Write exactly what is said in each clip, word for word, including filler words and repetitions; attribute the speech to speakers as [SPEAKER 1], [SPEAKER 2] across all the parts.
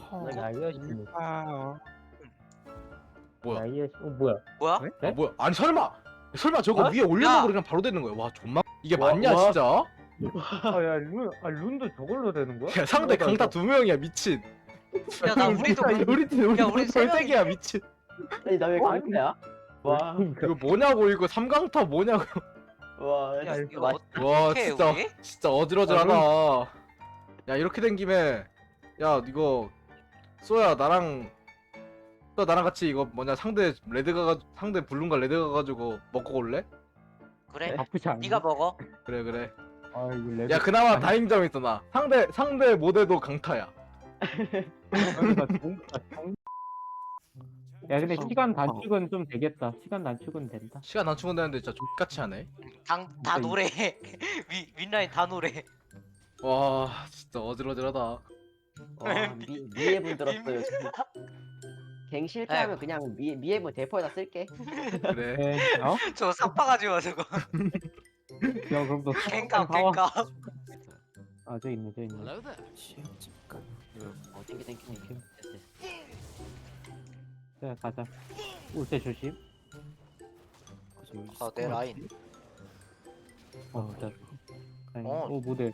[SPEAKER 1] 어,
[SPEAKER 2] 야이어씨.
[SPEAKER 1] 아,
[SPEAKER 3] 뭐야?
[SPEAKER 2] 야이어씨. 어 뭐야?
[SPEAKER 4] 뭐야?
[SPEAKER 1] 네?
[SPEAKER 3] 아 뭐야? 아니 설마 설마 저거
[SPEAKER 2] 어?
[SPEAKER 3] 위에 올려놓고
[SPEAKER 4] 야!
[SPEAKER 3] 그냥 바로 되는 거야? 와 존망 이게
[SPEAKER 2] 와,
[SPEAKER 3] 맞냐
[SPEAKER 2] 와.
[SPEAKER 3] 진짜?
[SPEAKER 2] 아야 룬, 아 룬도 저걸로 되는 거야?
[SPEAKER 3] 야 상대
[SPEAKER 2] 이거다,
[SPEAKER 3] 강타
[SPEAKER 2] 이거.
[SPEAKER 3] 두 명이야 미친.
[SPEAKER 4] 야, 나 우리도
[SPEAKER 3] 우리 우리 팀 우리
[SPEAKER 4] 야,
[SPEAKER 3] 팀
[SPEAKER 4] 우리 세
[SPEAKER 3] 세 개야 미친.
[SPEAKER 5] 아니 나 왜
[SPEAKER 2] 어?
[SPEAKER 5] 강타야? 와,
[SPEAKER 3] 이거 뭐냐고 이거 삼강타 뭐냐고.
[SPEAKER 5] 와,
[SPEAKER 4] 야,
[SPEAKER 5] 진짜
[SPEAKER 4] 이거
[SPEAKER 5] 맛-
[SPEAKER 4] 어떻게
[SPEAKER 3] 와
[SPEAKER 4] 해,
[SPEAKER 3] 진짜
[SPEAKER 4] 우리?
[SPEAKER 3] 진짜 어지러지하다. 야 이렇게 된 김에 야 이거 쏘야 나랑 쏘야 나랑 같이 이거 뭐냐 상대 레드가 가 상대 블룸과 레드 가가지고 먹고 올래?
[SPEAKER 4] 그래?
[SPEAKER 2] 나쁘지 않네.
[SPEAKER 4] 네가 먹어.
[SPEAKER 3] 그래 그래.
[SPEAKER 2] 아 이거 레벨.
[SPEAKER 3] 야 그나마 다행점이 있어 나. 상대 상대 모델도 강타야.
[SPEAKER 2] 나 종- 나 종- 야 근데 시간 단축은 좀 되겠다. 시간 단축은 된다.
[SPEAKER 3] 시간 단축은 되는데 진짜 X같이 하네.
[SPEAKER 4] 당, 다
[SPEAKER 2] 진짜
[SPEAKER 4] 노래. 위, 윗라인 다 노래.
[SPEAKER 3] 와 진짜 어지러지하다.
[SPEAKER 5] 와, 미, 미애분 들었어요. 지금. 갱 실패하면
[SPEAKER 4] 에이.
[SPEAKER 5] 그냥 미, 미애분 대포에다 쓸게.
[SPEAKER 3] 그래.
[SPEAKER 2] 네. 어?
[SPEAKER 4] 저거 삽바가지고 저거.
[SPEAKER 2] 야 그럼 너
[SPEAKER 4] 갱값,
[SPEAKER 2] 사와.
[SPEAKER 4] 갱값.
[SPEAKER 2] 아저 있네 저 있네.
[SPEAKER 5] 어, 땡기 땡기 땡기.
[SPEAKER 2] 오케이.
[SPEAKER 5] 됐어, 됐어.
[SPEAKER 2] 자 가자. 올 때 조심.
[SPEAKER 4] 아, 내 라인.
[SPEAKER 2] 어 자. 아니,
[SPEAKER 4] 어.
[SPEAKER 2] 오 모델.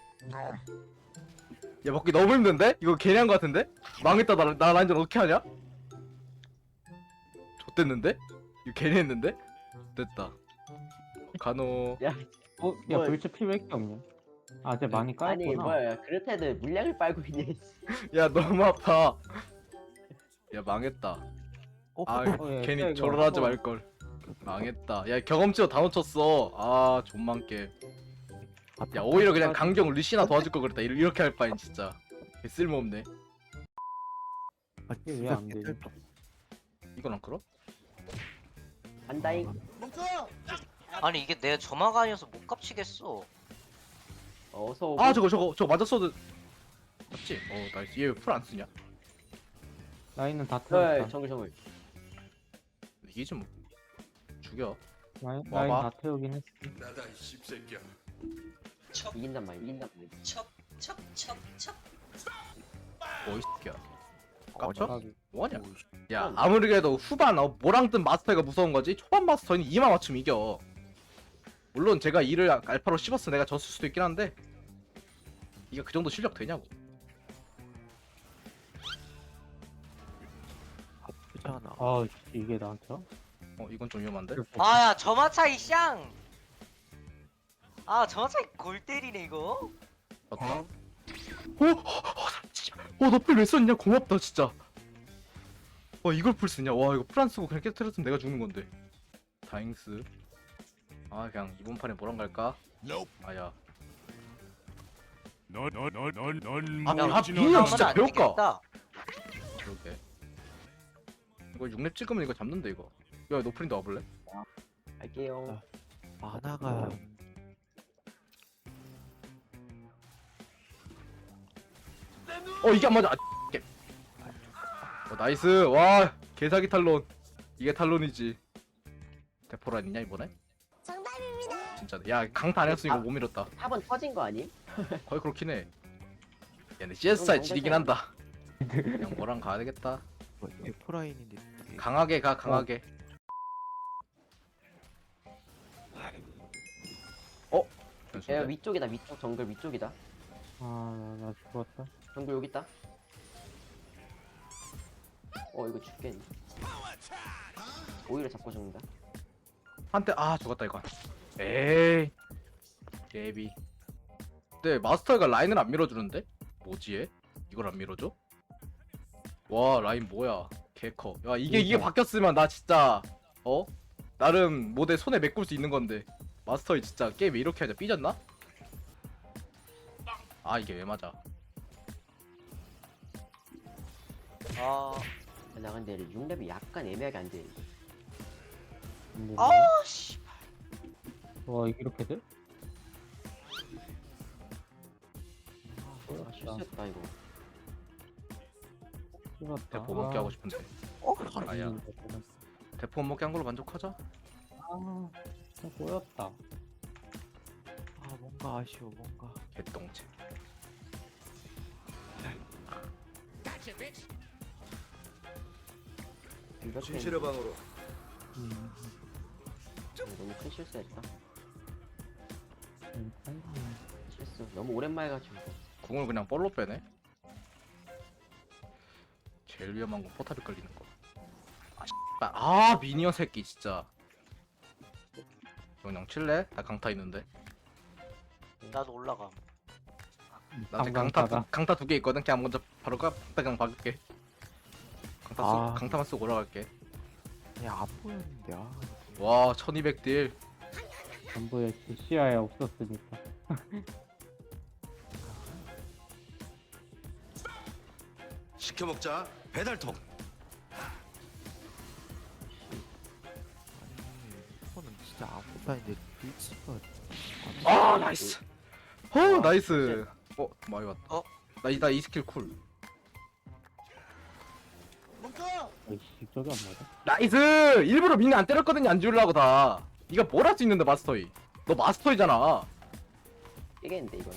[SPEAKER 3] 야 먹기 너무 힘든데? 이거 괜히 한 거 같은데? 망했다 나, 나 라인전 어떻게 하냐? 좆됐는데? 이거 괜히 했는데? 됐다. 간호.
[SPEAKER 2] 어? 야
[SPEAKER 5] 뭘.
[SPEAKER 2] 벌써 필요할 게 없냐? 아 쟤 많이 깔았구나.
[SPEAKER 5] 아니 뭐야, 그렇다도 물량을 빨고 있네.
[SPEAKER 3] 야 너무 아파. 야 망했다. 아
[SPEAKER 2] 어, 야,
[SPEAKER 3] 괜히
[SPEAKER 2] 야, 이거
[SPEAKER 3] 저럴 하지
[SPEAKER 2] 한번-
[SPEAKER 3] 말걸. 망했다. 야 경험치도 다 놓쳤어. 아 존망 게임. 야 오히려 그냥 강경 리시나 도와줄 걸 그랬다. 이렇- 이렇게 할 바엔 진짜 개 쓸모없네.
[SPEAKER 2] 이게 왜안 돼?
[SPEAKER 3] 이건 안 끌어?
[SPEAKER 5] 안다잉.
[SPEAKER 4] 아니, 이게 내 점화가 아니어서 못 깝치겠어.
[SPEAKER 5] 어서 오고.
[SPEAKER 3] 아 저거 저거 저거 맞았어도 맞지? 어 나이스. 얘 풀 안 쓰냐?
[SPEAKER 2] 라인은 다
[SPEAKER 5] 어,
[SPEAKER 2] 태웠다.
[SPEAKER 5] 정글 정글.
[SPEAKER 3] 이기지 뭐. 죽여.
[SPEAKER 2] 라인,
[SPEAKER 3] 와봐.
[SPEAKER 2] 라인 다 태우긴 했어.
[SPEAKER 4] 척,
[SPEAKER 5] 이긴단 말이야, 이긴단 말이야.
[SPEAKER 4] 척, 척, 척, 척.
[SPEAKER 3] 뭐이 새끼야. 깝쳐?
[SPEAKER 2] 까비.
[SPEAKER 3] 뭐하냐? 야 아무리 그래도 후반 어, 뭐랑 뜬 마스터가 무서운 거지 초반 마스터는 이만 맞추면 이겨. 물론 제가 이를 알파로 씹었어 내가 졌을 수도 있긴 한데 이게 그 정도 실력 되냐고.
[SPEAKER 2] 아 이게 나한테?
[SPEAKER 3] 어 이건 좀 위험한데?
[SPEAKER 4] 아, 야, 점화 차이 샹. 아, 점화 차이 골 때리네, 이거.
[SPEAKER 3] 맞다. 어? 어, 너풀 왜 썼냐? 고맙다, 진짜. 와, 이걸 풀 쓰냐? 와, 이거 풀 안 쓰고 그냥 깨트렸으면 내가 죽는 건데. 다잉스. 아, 그냥 이번 판에 뭐랑 갈까? 아야.
[SPEAKER 1] 넌넌넌넌
[SPEAKER 3] 아, 아,
[SPEAKER 1] 모르지는
[SPEAKER 3] 미니언
[SPEAKER 1] 않아.
[SPEAKER 3] 진짜
[SPEAKER 4] 안
[SPEAKER 3] 배울까?
[SPEAKER 4] 되겠다.
[SPEAKER 3] 그러게. 이거 육 렙 찍으면 이거 잡는데, 이거. 야, 노프린도 와볼래?
[SPEAKER 5] 갈게요.
[SPEAKER 1] 만화가
[SPEAKER 3] 어, 이게 안 맞아. 아, 깨. 어, 나이스. 와, 개사기 탈론. 이게 탈론이지. 대포란 있냐, 이번에? 정답입니다. 진짜. 야, 강타 안 했으면 이거 못 밀었다.
[SPEAKER 5] 탑은 터진 거 아니?
[SPEAKER 3] 거의 그렇긴 해. 야, 근데 씨에스아이 지리긴 한다. 그냥 뭐랑 가야 되겠다.
[SPEAKER 1] 에코라인인데
[SPEAKER 3] 강하게 가, 강하게. 어?
[SPEAKER 5] 야
[SPEAKER 3] 변수인데?
[SPEAKER 5] 위쪽이다, 위쪽 정글 위쪽이다.
[SPEAKER 2] 아나 죽었다.
[SPEAKER 5] 정글 여기 있다. 어 이거 죽겠네. 오히려 잡고 죽는다.
[SPEAKER 3] 한대 아 죽었다 이거. 에이. 예비. 근데 마스터가 라인을 안 밀어주는데? 뭐지 얘? 이걸 안 밀어줘? 와 라인 뭐야? 개커. 야 이게 이게
[SPEAKER 2] 그러니까.
[SPEAKER 3] 바뀌었으면 나 진짜 어? 나름 모델 손에 메꿀 수 있는 건데 마스터이 진짜 게임 왜 이렇게 하냐? 삐졌나? 아 이게 왜 맞아?
[SPEAKER 4] 아,
[SPEAKER 5] 나 근데 육 렙이 약간 애매하게 안 돼.
[SPEAKER 2] 뭐,
[SPEAKER 4] 아, 씨.
[SPEAKER 2] 와 이게 이렇게 돼?
[SPEAKER 5] 아 실수했다 이거.
[SPEAKER 2] 죽었다.
[SPEAKER 3] 대포 먹게 하고 싶은데.
[SPEAKER 4] 어?
[SPEAKER 3] 아야.
[SPEAKER 2] 죽는다, 죽었어.
[SPEAKER 3] 대포 먹게 한 걸로 만족하자.
[SPEAKER 2] 아 진짜 꼬였다.
[SPEAKER 1] 아 뭔가 아쉬워 뭔가
[SPEAKER 3] 개똥체.
[SPEAKER 5] 이것 때문에
[SPEAKER 6] 진실의 방으로.
[SPEAKER 1] 음,
[SPEAKER 5] 너무 큰 실수했다.
[SPEAKER 2] 음, 음.
[SPEAKER 5] 실수. 너무 오랜만에 가지고.
[SPEAKER 3] 궁을 그냥 볼로 빼네. 제일 위험한 건 포탑이 걸리는 거. 아, 씨발. 아 미니언 새끼 진짜. 그냥 칠래? 다 강타 있는데.
[SPEAKER 4] 나도 올라가.
[SPEAKER 3] 나 지금 강타
[SPEAKER 2] 강타다.
[SPEAKER 3] 두, 강타 두 개 있거든. 그냥 먼저 바로 가 그냥 박을게. 강타 쓰,
[SPEAKER 1] 아.
[SPEAKER 3] 강타만 쓰고 올라갈게.
[SPEAKER 1] 그냥 안 보였는데 아
[SPEAKER 3] 와 천이백 딜.
[SPEAKER 2] 전부에 시야에 없었으니까.
[SPEAKER 6] 시켜 먹자. 배달통.
[SPEAKER 1] 아니 이거는 진짜 아무것도 아닌데 리치가
[SPEAKER 3] 아 나이스. 어 나이스. 어 많이 왔다.
[SPEAKER 4] 어?
[SPEAKER 3] 나이 이 스킬 쿨.
[SPEAKER 2] 아이씨, 저게 안 맞아.
[SPEAKER 3] 나이스. 일부러 미니 안 때렸거든요. 안 지우려고 다. 네가 뭘 할 수 있는데 마스터이. 너 마스터이잖아.
[SPEAKER 5] 깨겠는데 이건.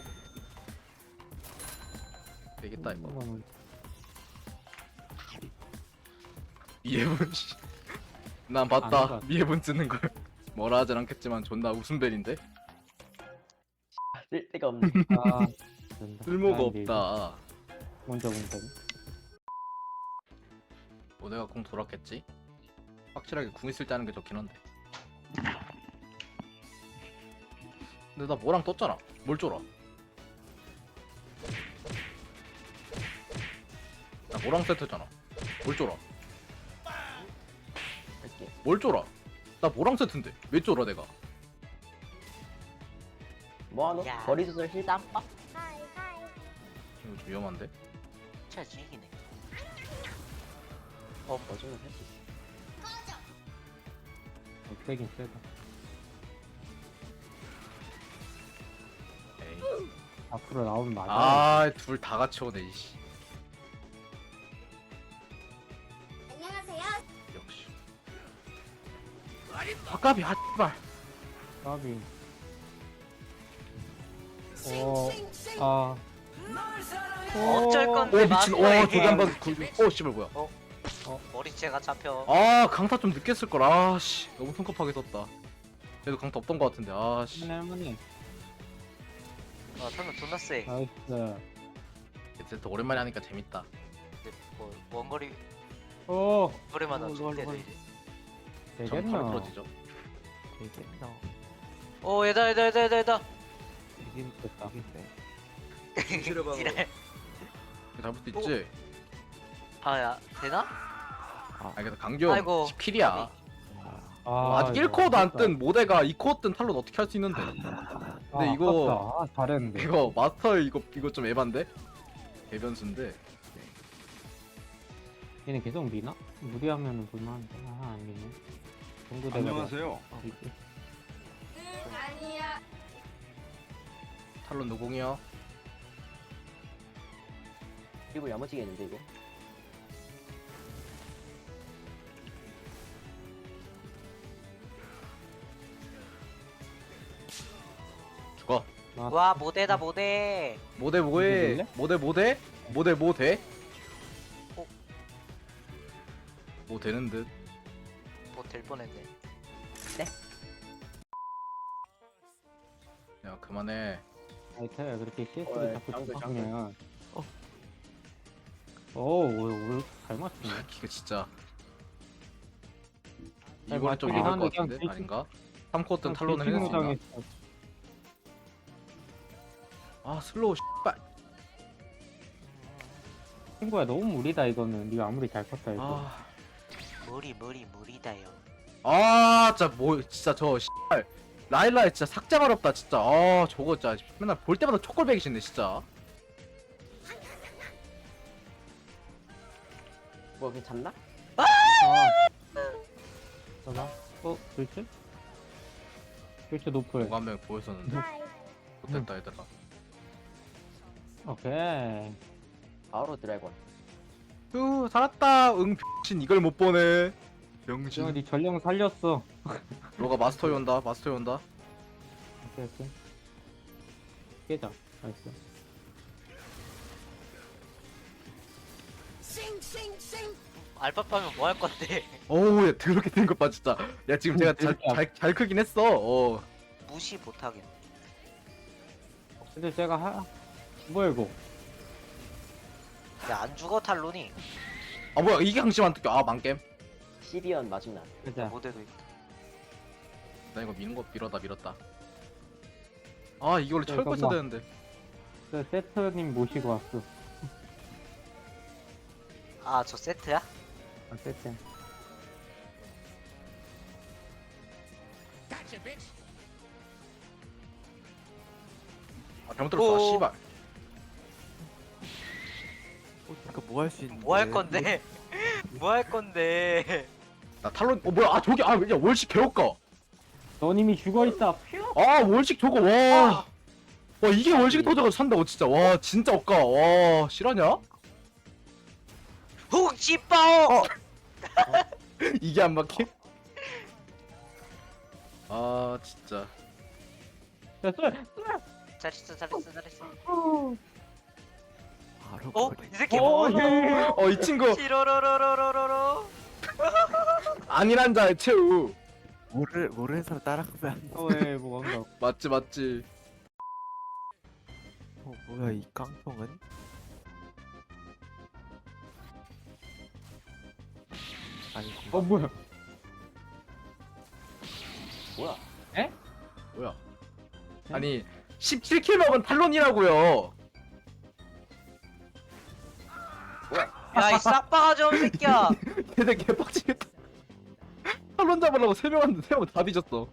[SPEAKER 3] 되겠다 이거.
[SPEAKER 2] 이거는
[SPEAKER 3] 미해분 씨. 난 봤다.
[SPEAKER 2] 아닌가?
[SPEAKER 3] 미해분 쓰는 걸. 뭐라 하진 않겠지만 존나 웃음벨인데.
[SPEAKER 5] 쓸 데가 없네.
[SPEAKER 2] 아, 된다.
[SPEAKER 3] 쓸모가
[SPEAKER 2] 난 이제
[SPEAKER 3] 없다.
[SPEAKER 2] 먼저 본다.
[SPEAKER 3] 뭐 내가 궁 돌았겠지? 확실하게 궁 있을 때 하는 게 좋긴 한데. 근데 나 뭐랑 떴잖아. 뭘 쫄아? 나 뭐랑 세트잖아. 뭘 쫄아?
[SPEAKER 5] 할게.
[SPEAKER 3] 뭘 쫄아? 나 뭐랑 세트인데 왜 쫄아 내가?
[SPEAKER 5] 뭐하노?
[SPEAKER 4] 야.
[SPEAKER 5] 거리 조절 힐 땀빡.
[SPEAKER 3] 이거 좀 위험한데?
[SPEAKER 4] 진짜 죽이네.
[SPEAKER 5] 어, 거짓말 할수 있어.
[SPEAKER 2] 어, 세긴 세다.
[SPEAKER 3] 에이.
[SPEAKER 2] 앞으로 나오면 맞아.
[SPEAKER 3] 아, 둘 다 같이 오네 이씨.
[SPEAKER 7] 안녕하세요.
[SPEAKER 3] 역시. 아까비 핫발.
[SPEAKER 2] 까비. 어, 아.
[SPEAKER 4] 어쩔 건데
[SPEAKER 3] 오 미친. 오
[SPEAKER 4] 마스터에게.
[SPEAKER 3] 저기 한번 구. 오 씨발 뭐야?
[SPEAKER 4] 머리채가 잡혀.
[SPEAKER 3] 아 강타 좀 늦게 쓸 걸. 아씨 너무 성급하게 썼다. 그래도 강타 없던 것 같은데. 아씨.
[SPEAKER 2] 할머니.
[SPEAKER 4] 아 방금 존나 세.
[SPEAKER 2] 나이스.
[SPEAKER 3] 세트 오랜만에 하니까 재밌다.
[SPEAKER 4] 근데 뭐 원거리
[SPEAKER 2] 오,
[SPEAKER 4] 거리마다
[SPEAKER 1] 어,
[SPEAKER 4] 죽대도
[SPEAKER 1] 이거,
[SPEAKER 4] 이제.
[SPEAKER 3] 점
[SPEAKER 2] 되겠나?
[SPEAKER 3] 바로 부러지죠.
[SPEAKER 1] 되겠나
[SPEAKER 4] 오 얘다 얘다 얘다 얘다 얘다.
[SPEAKER 1] 되긴
[SPEAKER 2] 됐다.
[SPEAKER 1] 되겠네
[SPEAKER 6] 진실의 방으로.
[SPEAKER 4] 지랄.
[SPEAKER 3] 잡을 수 있지.
[SPEAKER 4] 아야 되나?
[SPEAKER 3] 아 그래서 강경
[SPEAKER 4] 아이고.
[SPEAKER 3] 십 킬이야.
[SPEAKER 1] 아,
[SPEAKER 2] 아,
[SPEAKER 3] 아직
[SPEAKER 2] 이거
[SPEAKER 3] 일 코어도 안
[SPEAKER 2] 아깝다.
[SPEAKER 3] 뜬 모델가 이 코어 뜬 탈론 어떻게 할 수 있는데?
[SPEAKER 2] 아,
[SPEAKER 3] 근데 이거
[SPEAKER 2] 아깝다. 아, 잘했는데.
[SPEAKER 3] 이거 마스터 이거 이거 좀 에반데? 대변수인데.
[SPEAKER 2] 얘는 계속 미나? 무리하면은 볼만한데. 아, 안 미네. 동구대가
[SPEAKER 6] 안녕하세요.
[SPEAKER 2] 이게.
[SPEAKER 7] 아니야.
[SPEAKER 3] 탈론 노공이요.
[SPEAKER 5] 그리고 야무지겠는데 이거.
[SPEAKER 3] 죽어.
[SPEAKER 2] 아,
[SPEAKER 4] 와 모대다 모대.
[SPEAKER 3] 모대 뭐해?
[SPEAKER 2] 이거
[SPEAKER 3] 모대 모대? 모대 뭐 돼?
[SPEAKER 4] 어?
[SPEAKER 3] 뭐 되는 듯.
[SPEAKER 4] 뭐 될 뻔했네.
[SPEAKER 3] 야 그만해.
[SPEAKER 2] 아이타야 그렇게 씨에스를
[SPEAKER 5] 어,
[SPEAKER 2] 자꾸
[SPEAKER 5] 장글,
[SPEAKER 2] 잡으면 어. 오, 오늘 잘 맞추네.
[SPEAKER 3] 이거 진짜.
[SPEAKER 2] 잘
[SPEAKER 3] 이번엔 좀
[SPEAKER 2] 맞추긴
[SPEAKER 3] 위험할 것
[SPEAKER 2] 하는데
[SPEAKER 3] 같은데?
[SPEAKER 2] 그냥
[SPEAKER 3] 아닌가? 삼 코어 뜬 탈론을 해낼 수 있나?
[SPEAKER 2] 당했어.
[SPEAKER 3] 아 슬로우 씨발.
[SPEAKER 2] 친구야 너무 무리다 이거는. 네가 아무리 잘 컸다 이거.
[SPEAKER 3] 아.
[SPEAKER 4] 무리 무리 무리다요.
[SPEAKER 3] 아 진짜 뭐 진짜 저 씨발 라일라에 진짜 삭제 어렵다 진짜. 아 저거 진짜 맨날 볼 때마다 촉골배기 싫네 진짜.
[SPEAKER 5] 뭐 그냥 잡나?
[SPEAKER 2] 아. 봐봐. 어, 글쎄? 글쎄 높을.
[SPEAKER 3] 누가 한 명 보였었는데 못됐다 얘들아.
[SPEAKER 2] 오케이.
[SPEAKER 5] 바로 드래곤.
[SPEAKER 3] 휴 살았다. 응 병신 이걸 못 보네.
[SPEAKER 2] 지금
[SPEAKER 3] 병신.
[SPEAKER 2] 네 전령 살렸어.
[SPEAKER 3] 로가 마스터에 온다. 마스터에 온다.
[SPEAKER 2] 오케이, 오케이. 깨자. 나이스.
[SPEAKER 4] 알파파면 뭐 할 건데?
[SPEAKER 3] 어우 야 더럽게 된 것 봐 진짜. 야 지금 제가 잘 잘 잘 크긴 했어. 어.
[SPEAKER 4] 무시 못하겠네.
[SPEAKER 2] 근데 제가 하 뭐야 이거?
[SPEAKER 4] 야안 죽어 탈론이.
[SPEAKER 3] 아 뭐야 이게 항심 안 뜯겨. 아 망겜.
[SPEAKER 5] 십이 원 마중나.
[SPEAKER 2] 가자.
[SPEAKER 4] 모델도 있다.
[SPEAKER 3] 나 이거 미는 거 밀었다 밀었다. 아 이게 원래
[SPEAKER 2] 네,
[SPEAKER 3] 철거 써야
[SPEAKER 2] 잠깐만.
[SPEAKER 3] 되는데.
[SPEAKER 2] 그 세트님 모시고 왔어.
[SPEAKER 4] 아 저 세트야?
[SPEAKER 2] 아, 세트.
[SPEAKER 3] 아 잘못 들었어. 아,
[SPEAKER 4] 오.
[SPEAKER 3] 씨발.
[SPEAKER 1] 어, 그러니까 뭐 할 수 있는데?
[SPEAKER 4] 뭐 할 건데? 뭐 할 건데?
[SPEAKER 3] 나 탈론. 어 뭐야? 아 저기 아 야 월식 개울까.
[SPEAKER 2] 너님이 죽어 있다. 퓨.
[SPEAKER 3] 아 월식 저거 와. 와 이게 월식 도저가 산다고 진짜. 와 진짜 없까. 와 실화냐?
[SPEAKER 4] 훅 씨빠오.
[SPEAKER 3] 이게 안 막혀? 아 진짜.
[SPEAKER 2] 야, 쏠.
[SPEAKER 4] 잘했어 잘했어 잘했어.
[SPEAKER 1] 바로
[SPEAKER 4] 어?
[SPEAKER 1] 버리.
[SPEAKER 4] 이 새끼
[SPEAKER 2] 어,
[SPEAKER 4] 뭐?
[SPEAKER 2] 예.
[SPEAKER 3] 어 이 친구
[SPEAKER 4] 시로로로로로로로.
[SPEAKER 3] 아니란 자의 최후.
[SPEAKER 1] 모르 모르는 사람 따라가면 안 돼.
[SPEAKER 2] 어, 예, 뭐 뭔가.
[SPEAKER 3] 맞지 맞지.
[SPEAKER 1] 어 뭐야 이 깡통은? 아이고.
[SPEAKER 2] 어, 뭐야?
[SPEAKER 5] 뭐야?
[SPEAKER 3] 뭐야? 아니 십칠 킬 먹은 탈론이라고요.
[SPEAKER 4] 야이 싹바가지 없는 새끼야.
[SPEAKER 3] 걔네 개빡치겠다. 탈론 잡으려고 세 명 왔는데 세 명 다 뒤졌어.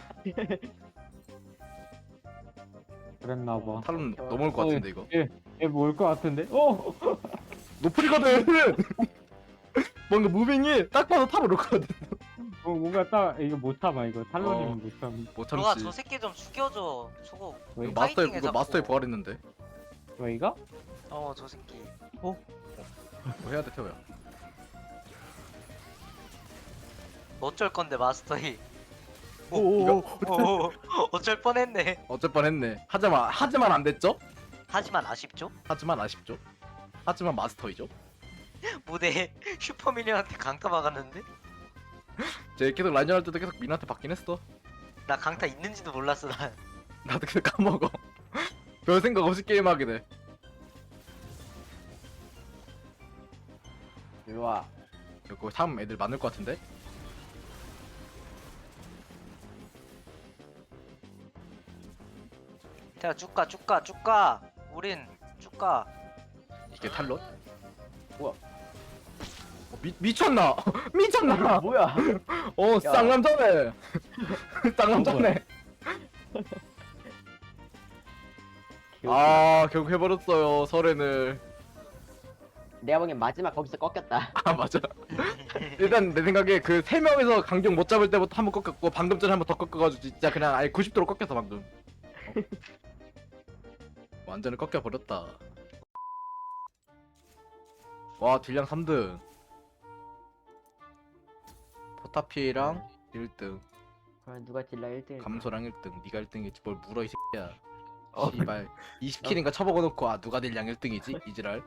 [SPEAKER 2] 그랬나 봐.
[SPEAKER 3] 탈론 넘어올 것 같은데 이거.
[SPEAKER 2] 얘뭘것 같은데? 어.
[SPEAKER 3] 노플이거든. 뭔가 무빙이 딱 봐도 탑을 올거든.
[SPEAKER 2] 뭐 뭔가 딱 이거 못 참아 이거. 탈론이면
[SPEAKER 3] 어.
[SPEAKER 2] 못 참.
[SPEAKER 3] 못
[SPEAKER 4] 너가
[SPEAKER 3] 참지.
[SPEAKER 4] 저 새끼 좀 죽여줘. 저거
[SPEAKER 2] 왜?
[SPEAKER 3] 이거 마스터에
[SPEAKER 4] 파이팅해,
[SPEAKER 3] 이거
[SPEAKER 4] 자꾸.
[SPEAKER 3] 마스터에 부활했는데.
[SPEAKER 2] 왜 이거?
[SPEAKER 4] 어 저 새끼.
[SPEAKER 3] 뭐 해야 돼 태호야.
[SPEAKER 4] 어쩔 건데 마스터이.
[SPEAKER 3] 이거
[SPEAKER 4] 오, 어쩔 뻔했네.
[SPEAKER 3] 어쩔 뻔했네. 하지만 하지만 안 됐죠?
[SPEAKER 4] 하지만 아쉽죠?
[SPEAKER 3] 하지만 아쉽죠? 하지만 마스터이죠?
[SPEAKER 4] 무대에 슈퍼미니언한테 강타 막았는데?
[SPEAKER 3] 제 계속 라인전 할 때도 계속 민한테 받긴 했어.
[SPEAKER 4] 나 강타 있는지도 몰랐어 난.
[SPEAKER 3] 나도 계속 까먹어. 별 생각 없이 게임하게 돼.
[SPEAKER 5] 일로 와.
[SPEAKER 3] 이거 참 애들 많을 것 같은데?
[SPEAKER 4] 태야 쭉가 쭉가 쭉가. 우린 쭉가.
[SPEAKER 3] 이게 탈론?
[SPEAKER 5] 뭐야?
[SPEAKER 3] 어, 미, 미쳤나? 미쳤나?
[SPEAKER 5] 뭐야?
[SPEAKER 3] 어 쌍남자네. 쌍남자네. 아 결국 해버렸어요 설엔을.
[SPEAKER 5] 내가 보기엔 마지막 거기서 꺾였다.
[SPEAKER 3] 아 맞아. 일단 내 생각에 그 세 명에서 강경 못 잡을 때부터 한 번 꺾였고 방금 전에 한 번 더 꺾어가지고 진짜 그냥 아예 구십 도로 꺾였어 방금. 어. 완전히 꺾여 버렸다. 와 딜량 삼 등. 포타피랑 일 등.
[SPEAKER 5] 그럼 누가 딜라 일 등?
[SPEAKER 3] 감소랑 일 등. 니가 일 등이지 뭘 물어 이 새끼야.
[SPEAKER 1] 어.
[SPEAKER 3] 씨발 이십 킬인가 쳐먹어놓고 아 누가 딜량 일 등이지? 이지랄.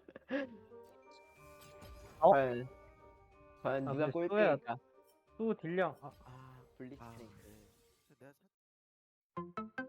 [SPEAKER 2] 어?
[SPEAKER 5] 과연 과연
[SPEAKER 2] 아,
[SPEAKER 5] 누가
[SPEAKER 2] 근데
[SPEAKER 5] 꼴등일까?
[SPEAKER 2] 또 딜량. 아,
[SPEAKER 5] 아 블리츠크링크.
[SPEAKER 1] 내가